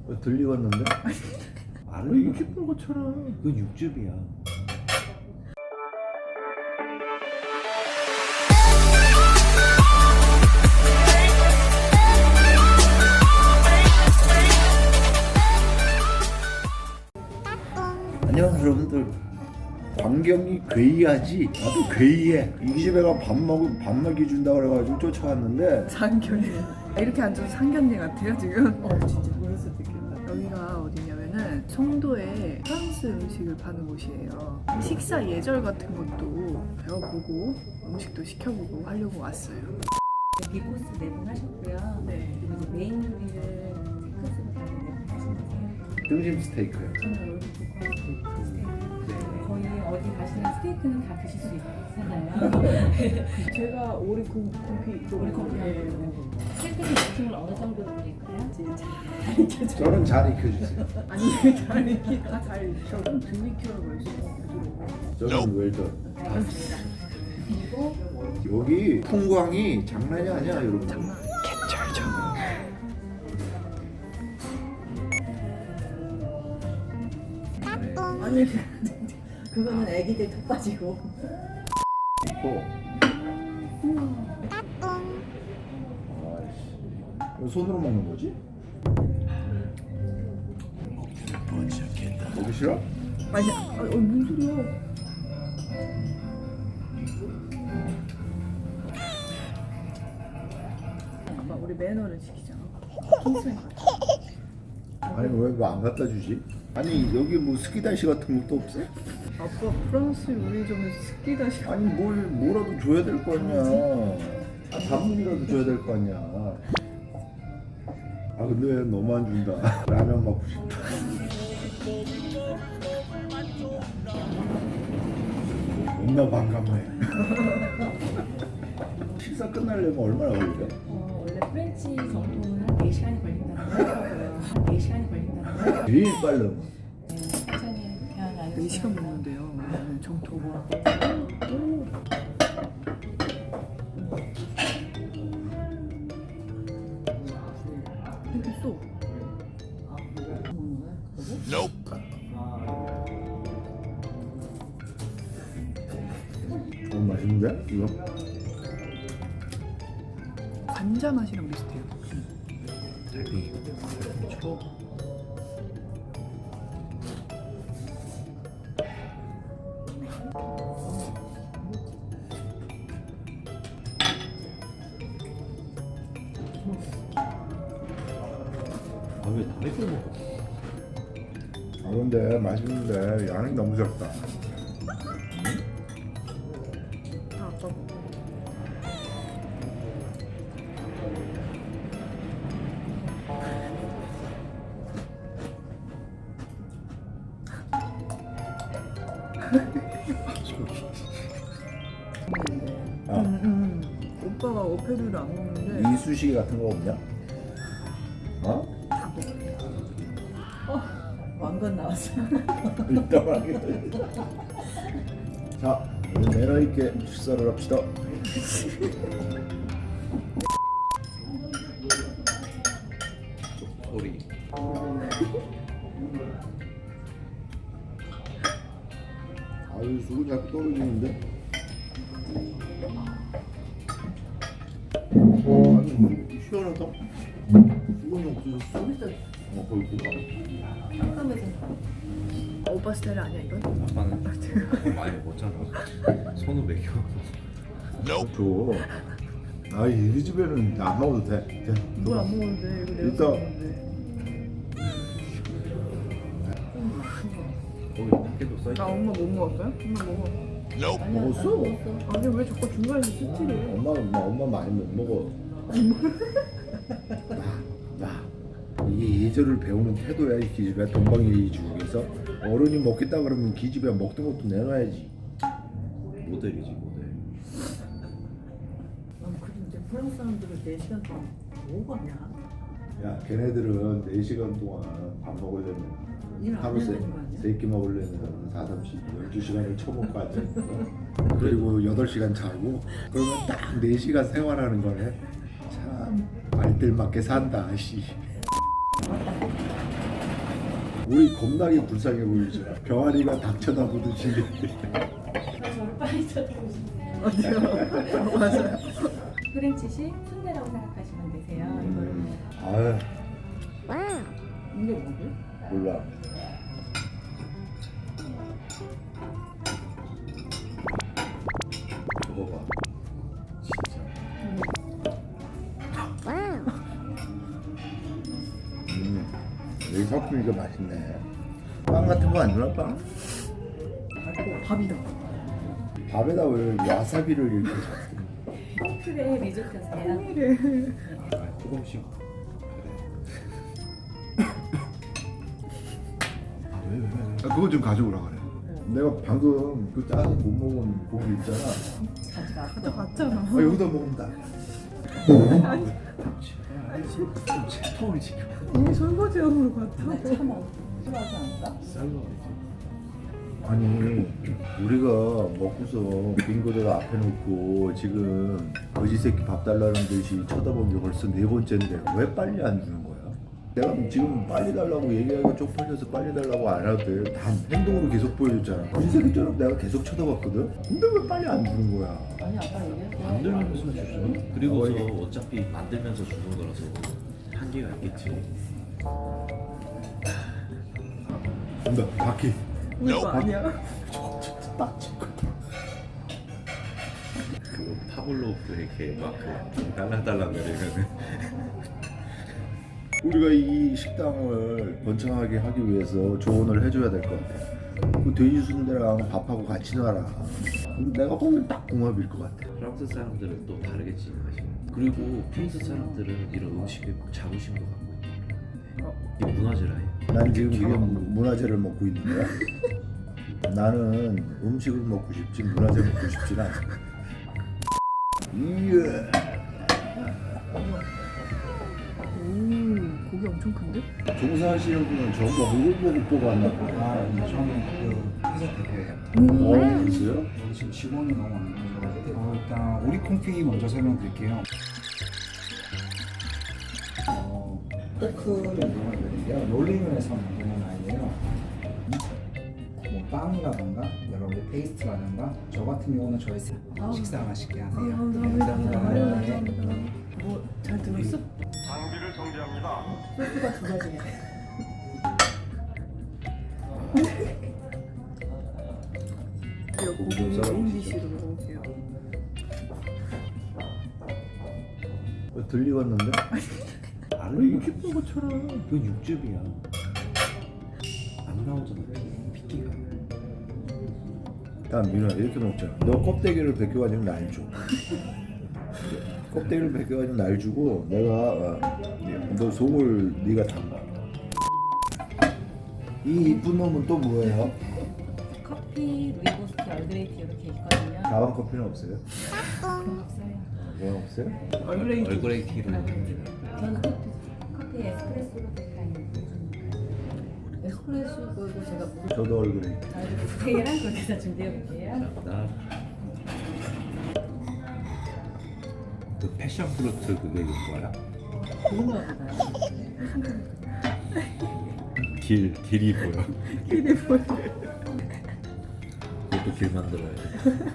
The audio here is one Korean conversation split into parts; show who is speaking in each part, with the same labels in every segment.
Speaker 1: 들리겠는데? 왜 이렇게 뻘겋잖아. 그건 육즙이야. 안녕하세요 여러분들. 광경이 괴이하지? 나도 괴이해. 이 집에 가 밥 먹이 준다 그래가지고 쫓아왔는데
Speaker 2: 상견례. 이렇게 앉아서 상견례 같아요 지금.
Speaker 3: 진짜 그럴 수도 있겠다.
Speaker 2: 여기가 어디냐면은 송도에 프랑스 음식을 파는 곳이에요. 식사 예절 같은 것도 배워보고 음식도 시켜보고 하려고 왔어요.
Speaker 3: 비코스 4분 하셨고요.
Speaker 2: 네.
Speaker 3: 그리고 이제 메인 요리를 테크스로 다른 4분 하신 거세요?
Speaker 1: 등심 스테이크요.
Speaker 3: 저는 롤드코커 스테이크. 거의 어디 가시는 스테이크는 다 드실 수 있잖아요.
Speaker 2: 제가 오리 고기
Speaker 3: 우리 커피 스테이크는 느낌을 어느 정도로 드릴까요?
Speaker 1: 저는 잘 익혀주세요.
Speaker 2: 아니 잘 익히 다잘 익혀. 좀 덜 익혀라고 했어.
Speaker 1: 저는 웰던.
Speaker 3: 알겠습니다. 그리고
Speaker 1: 여기 풍광이 장난이 아니야 여러분.
Speaker 2: 장난. 개쩔죠.
Speaker 3: 아니 그거는 애기들 턱 빠지고.
Speaker 1: 있고. 아이씨. 이거 손으로 먹는 거지? 먹기 싫어?
Speaker 2: 아니, 뭔 소리야? 아빠 우리 매너를 지키자. 킹스맨 같아.
Speaker 1: 아니 왜 뭐 안 갖다 주지? 아니 여기 뭐 스키다시 같은 것도 없어?
Speaker 2: 아빠 프랑스 요리점에서 스키다시.
Speaker 1: 아니 뭐라도 줘야 될 거 아니야. 단문이라도 줘야 될 거 아니야. 아 근데 왜 너무 안 준다. 라면 먹고 싶다. 겁나 반감해. 식사 끝나려면 얼마나 걸려?
Speaker 3: 원래 프렌치 정도는 한 4시간이 걸린다고 하더라고요. 한 4시간이 걸린다고 하더라고요.
Speaker 1: 제일 빠르면
Speaker 3: 천천히 그냥 안
Speaker 2: 4시간 먹는데요. 정토. 여기 있어.
Speaker 1: 너무 맛있는데? 이거?
Speaker 2: 관자 맛이랑 비슷해요.
Speaker 1: 달팽이 초. 아왜 다리 걸 먹어? 아 근데 맛있는데 양이 너무 적다.
Speaker 2: 아빠 먹어.
Speaker 1: 아
Speaker 2: 오빠가 어패류를 안 먹는데
Speaker 1: 이쑤시개 같은 거 없냐? 어?
Speaker 2: 다 먹어.
Speaker 3: 왕건 나왔어요.
Speaker 1: 일단 하게. 자, 우리 매너 있게 식사를 합시다. 소리. 아유 수고 자꾸 떨어지는데. 아니 시원하다. 수건이 없어졌어. 거기 보다.
Speaker 3: 깜깜해서.
Speaker 2: 오빠 스타일 아니야 이건?
Speaker 4: 아빠는 많이 먹었잖아. 손으로 먹여.
Speaker 1: 줘. 아, 이 집에는 안 먹어도 돼.
Speaker 2: 뭘 안 먹어도 돼. 이거 내가
Speaker 1: 일단-
Speaker 2: 먹는데.
Speaker 4: 거기 밖에도 써
Speaker 2: 나 엄마 못 먹었어요? 엄마 먹어.
Speaker 1: 먹었어?
Speaker 2: 아니 왜 자꾸 중간에서 스틸해?
Speaker 1: 엄마 많이 못 먹어. 나 이게 예절을 배우는 태도야 이 기집애. 동방예의 주국에서 어른이 먹겠다 그러면 기집애 먹던 것도 내놔야지.
Speaker 4: 모델이지 모델.
Speaker 3: 근데 프랑스 사람들은 4시간 동안 뭐 하냐?
Speaker 1: 야, 걔네들은 4시간 동안 밥 먹으려면
Speaker 3: 일 안
Speaker 1: 하루
Speaker 3: 해야 되는 거 아니야?
Speaker 1: 3끼 먹으려면 4, 30, 12시간을 쳐먹고 앉아있어. 그리고 8시간 자고 그러면 딱 4시간 생활하는 거네. 참 알뜰맞게 산다 씨. 우리 겁나게 불쌍해 보이죠. 병아리가 닭 쳐다보듯이.
Speaker 3: 저를 빨리 쳐다보시네요.
Speaker 2: 맞아요. 맞아요.
Speaker 3: 프렌치식 순대라고 생각하시면 되세요. 이거를
Speaker 1: 아유
Speaker 3: 이게 뭐를?
Speaker 1: 몰라.
Speaker 4: 저거 봐. 진짜.
Speaker 1: 여기 섞으니까 맛있네. 빵 같은 거 안 주나 빵?
Speaker 2: 밥이다.
Speaker 1: 밥에다 왜 와사비를 이렇게 섞어?
Speaker 3: 크레 리조트세요.
Speaker 4: 아, 조금씩.
Speaker 1: 아, 그거 좀 가져오라 그래. 내가 방금 그 짜서 못 먹은 고기 있잖아.
Speaker 2: 가져갔잖아.
Speaker 1: 아, 여기다 먹으면 다.
Speaker 4: 채통을 지켜.
Speaker 2: 이미 설거지함으로 갔다.
Speaker 3: 참 싫어하지 않을까?
Speaker 4: 쌀러야지.
Speaker 1: 아니 우리가 먹고서 빈 거다가 앞에 놓고 지금 거지 새끼 밥 달라는 듯이 쳐다본 게 벌써 네 번째인데 왜 빨리 안 주는 거야? 내가 지금 빨리 달라고 얘기하기가 쪽팔려서 빨리 달라고 안 하도 돼. 다 행동으로 계속 보여줬잖아. 거지 새끼처럼 내가 계속 쳐다봤거든? 근데 왜 빨리 안 주는 거야?
Speaker 3: 아니 아까 얘기했어.
Speaker 4: 만들면서 주죠. 그리고서 어차피 만들면서 주는 거라서 한계가 있겠지.
Speaker 1: 간다 바퀴.
Speaker 2: 우리 거 아니야?
Speaker 1: 딱 찍고.
Speaker 4: 그 파블로프 이렇게 막그 달랑달랑 거리면은
Speaker 1: 우리가 이 식당을 번창하게 하기 위해서 조언을 해줘야 될 것 같아. 그 돼지 순대랑 밥하고 같이 놔라. 근데 내가 보면 딱 궁합일 것 같아.
Speaker 4: 프랑스 사람들은 또 다르겠지 맛이. 그리고 프랑스 사람들은 이런 음식에 자부심도 갖고 있는 이 문화재라요.
Speaker 1: 난 지금 문화재를 먹고 있는 거야. 나는 음식을 먹고 싶지 문화재 먹고 싶진 않아. 이야.
Speaker 2: 오, 고기 엄청 큰데?
Speaker 1: 종사하시는 분은 전부 얼굴 보고 뽑았나 봐.
Speaker 5: 아, 저는 그 회사 대표예요.
Speaker 1: 그랬어요?
Speaker 5: 여기 지금 직원이 너무 안 계셔가지고 일단 우리 콩피 먼저 설명드릴게요. 포크를 이용하거든요. 롤링을 해서 만드는 아이예요. 뭐 빵이라던가 여러 가지 페이스트라던가 저 같은 경우는 저희 식사 맛있게 하세요.
Speaker 2: 감사합니다.
Speaker 5: 네.
Speaker 2: 뭐 잘 들었어?
Speaker 3: 소스가 두 가지네.
Speaker 2: 제가 고기 메인디시로 먹을게요.
Speaker 1: 들리겠는데?
Speaker 4: 알로 이렇게 본 것처럼 이건 육즙이야. 안 나오잖아. 피기가.
Speaker 1: 야 민호야 이렇게 먹자. 너 껍데기를 벗겨가지고 날 줘. 껍데기를 벗겨가지고 날 주고 내가 너 속을 네가 담가. 이 이쁜 놈은 또 뭐예요?
Speaker 3: 커피, 루이보스티, 얼그레이티 이렇게 있거든요.
Speaker 1: 자반 커피는 없어요?
Speaker 3: 없어요.
Speaker 1: 왜 없어요?
Speaker 4: 얼그레이 티로.
Speaker 3: 저는 커피 에스프레소로 된다는 에스프레소도 제가
Speaker 1: 저도 얼굴에.
Speaker 3: 스테이랑 그렇게 해서 준비해 볼게요.
Speaker 4: 나. 그 패션 프루트 그게 뭐야?
Speaker 3: 고구마가 나요.
Speaker 4: 길이 보여.
Speaker 2: 길이 보여.
Speaker 4: 그것도 길 만들어야 돼.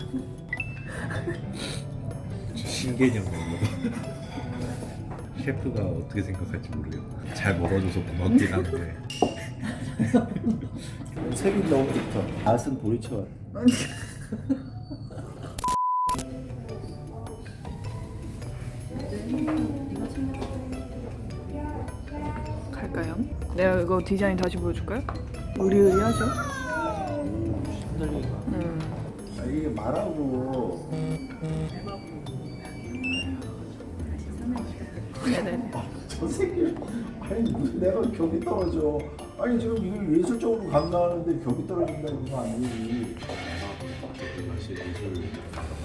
Speaker 4: 신개념 먹는 거. 셰프가 어떻게 생각할지 모르겠다. 잘 먹어줘서 고맙긴 한데.
Speaker 1: 색이 너무 좋다. 갓은 보리차.
Speaker 2: 갈까요? 내가 이거 디자인 다시 보여줄까요? 의리의리하죠?
Speaker 4: 흔들리가.
Speaker 1: 아, 이게 말하고
Speaker 2: 네네.
Speaker 1: 저 새끼 아니 무슨 내가 벽이 떨어져. 아니 지금 이걸 예술적으로 감당하는데 벽이 떨어진다는 거 아니지.
Speaker 4: 맛이 예술.